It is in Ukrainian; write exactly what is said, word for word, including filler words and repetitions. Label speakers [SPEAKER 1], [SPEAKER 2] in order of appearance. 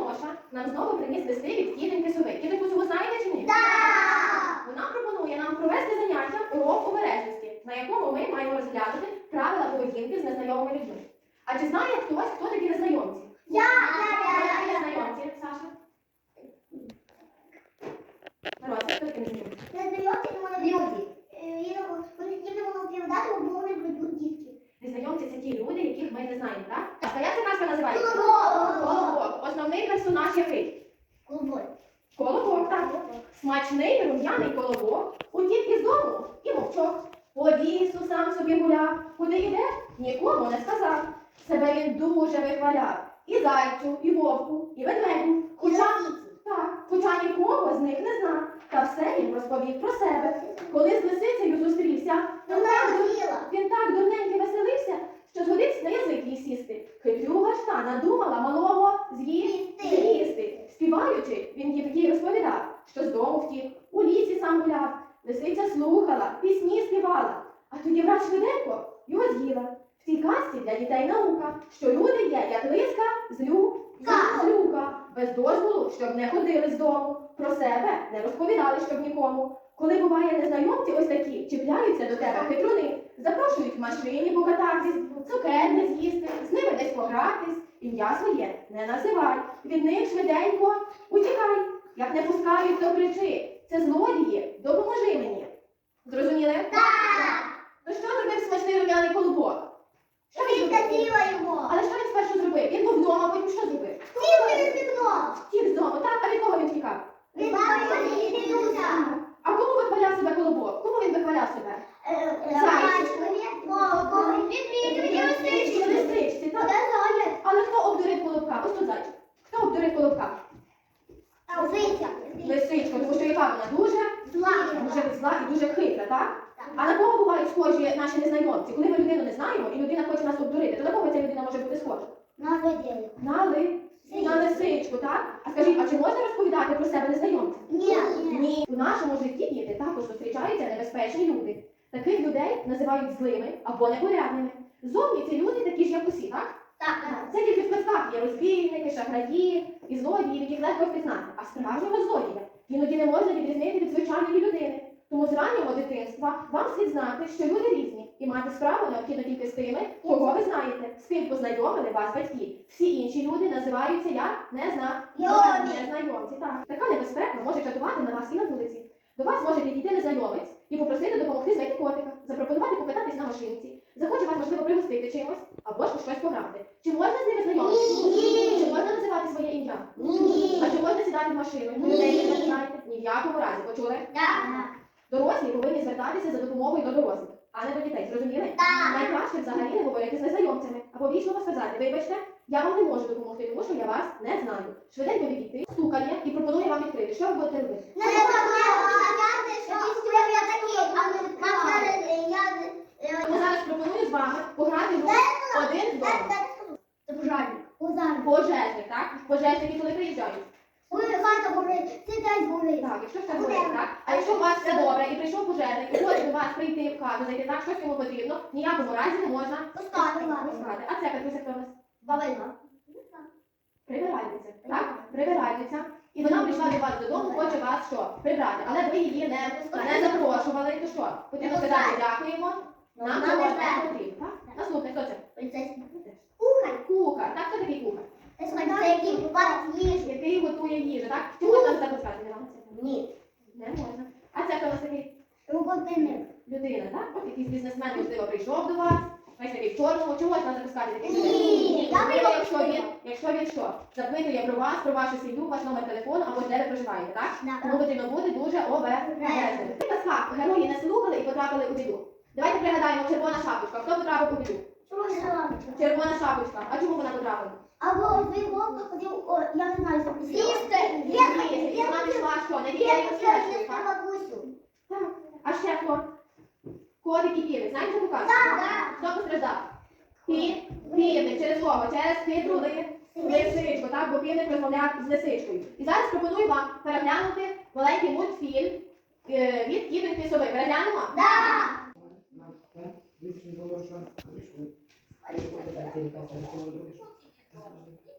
[SPEAKER 1] Тимоша нам знову приніс листи від тітоньки Сови. Тітоньку Сову знаєте чи ні?
[SPEAKER 2] Так!
[SPEAKER 1] Вона пропонує нам провести заняття урок обережності, на якому ми маємо розглянути правила поведінки з незнайомими людьми. А чи знає хтось, хто такі незнайомці?
[SPEAKER 2] Я!
[SPEAKER 1] Хто такі незнайомці, Саша? Мирося, хто такі незнайомці?
[SPEAKER 2] Незнайомці не вони люди. Їм не було оповідати, бо вони ведуть дітки.
[SPEAKER 1] Незнайомці – це ті люди, яких ми не знаємо, так? А як ця казка називається?
[SPEAKER 2] Колобок!
[SPEAKER 1] Колобок. Основний персонаж який?
[SPEAKER 2] Колобок.
[SPEAKER 1] Колобок, так. Смачний рум'яний колобок утік із дому і мовчок. По лісу сам собі гуляв, куди йде, нікому не сказав. Себе він дуже вихваляв. І зайцю, і вовку, і ведмедю. Хоча, так, хоча нікого з них не знав. Та все він розповів про себе. Коли з лисицею зустрівся, він так, він так дурненько веселився, що згодився на язик їй сісти. Хитрюга ж та надумала малого з'їсти. з'їсти. Співаючи, він їй такий розповідав, що з дому втік, у лісі сам гуляв. Лисиця слухала, пісні співала, а тоді враз швиденько його з'їла. В цій казці для дітей наука, що люди є, як лиска, злю, злюка, без дозволу, щоб не ходили з дому, про себе не розповідали, щоб нікому. Коли буває незнайомці ось такі, чіпляються до тебе хитруни, запрошують в машині покататись, цукер не з'їсти, з ними десь погратись, ім'я своє не називай, від них швиденько утікай. Як не пускають, то кричи. Це злодії, допоможи мені. Зрозуміли?
[SPEAKER 2] Так!
[SPEAKER 1] Ну що зробив смачний рум'яний колобок? Що він зробив?
[SPEAKER 2] Відкатила його.
[SPEAKER 1] Але що він спершу зробив? Він був вдома, потім що зробив?
[SPEAKER 2] Втік через вікно.
[SPEAKER 1] Втік з дому, так? А від кого він тікав?
[SPEAKER 2] Від мами і дідуся.
[SPEAKER 1] А кому вихваляв себе колобок? Кому він вихваляв себе? Лисичці, лисичці, так? Але хто обдурив колобка? Ось тут зайчик. Хто обдурив колобка? Лисичка, тому що яка вона дуже дуже зла і дуже хитра, так? А на кого бувають схожі наші незнайомці? Коли ми людину не знаємо і людина хоче нас обдурити, то на кого ця людина може бути схожа? На ли... на лисичку, так? А скажіть, а чи можна розповідати про себе незнайомцям? Ні. У нашому житті, діти, також зустрічаються небезпечні люди. Таких людей називають злими або непорядними. Зовні ці люди такі ж, як усі, так? Це тільки в казках є розбійники, шахраї і злодії, яких легко впізнати. А справжнього злодія іноді не можна відрізнити від звичайної людини. Тому з раннього дитинства вам слід знати, що люди різні, і мати справу необхідно тільки з тими, кого ви знаєте, з ким познайомили вас батьки. Всі інші люди називаються як незнайомці. Так. Така небезпека може чатувати на вас і на вулиці. До вас може підійти незнайомець і попросити допомогти знайти котика, запропонувати покататись на машинці, захоче вас, можливо, пригостити чимось, або ж у щось пограти. Чи можна з ними знайомитися?
[SPEAKER 2] Ні.
[SPEAKER 1] Чи можна називати своє ім'я?
[SPEAKER 2] Ні.
[SPEAKER 1] А чи можна сідати в машину? Людей ви не знаєте? Ні в якому разі. Почули? Дорослі повинні звертатися за допомогою до дорослих, а не до дітей. Зрозуміли?
[SPEAKER 2] Так.
[SPEAKER 1] Найкраще взагалі не говорити з незнайомцями, або вічливо сказати: вибачте, я вам не можу допомогти, тому що я вас не знаю. Швиденько відійти, стукає і пропонує вам відкрити. Що ви будете робити? Тому зараз пропоную з вами пограти в гру один вдома. Пожежник, так? Пожежники коли приїжджають? Так, якщо все горить, так? А якщо у вас все добре і прийшов пожежник, і хоче до вас прийти в хату, зайти так, щось йому потрібно, в ніякому разі не можна пускати. А це Катруся хто у нас? Прибиральниця, так? Прибиральниця. І вона прийшла до вас додому, хоче вас що? Прибрати. Але ви її не, не запрошували, то що? Потрібно сказати: дякуємо, нам цього не потрібно, так? Наступне, хто це? Кухар. Так, хто такий кухар? Який готує їжу, так? Чи можна запускати?
[SPEAKER 2] Ні.
[SPEAKER 1] Не можна. А це хто у нас такий? Людина, так? От якийсь бізнесмен, можливо, прийшов до вас, весь такий в чорному. Чи можна запускати такий людину?
[SPEAKER 2] Ні.
[SPEAKER 1] Можливо, якщо він, якщо він що? Запитує про вас, про вашу сім'ю, ваш номер телефону, або де ви проживаєте, так? Тому потрібно бути дуже обережним. В казках герої не слухали і потрапили у біду. Давайте пригадаємо: червона шапочка. Хто потрапив у біду? Червона шапочка. А чому вона потрапила?
[SPEAKER 2] Або ви вовка ходив, о, я не знаю, що
[SPEAKER 1] З'їсти! І вона пішла що? Не вірила в так? Так. А ще хто? Котик і півник. Знаєте, що показує? Хто постраждав? Пі... Півник. Через кого? Через хитру ли... лисичку, так? Бо півник розмовляв з лисичкою. І зараз пропоную вам переглянути маленький мультфільм е, від тітоньки Сови. Переглянемо?
[SPEAKER 2] Да!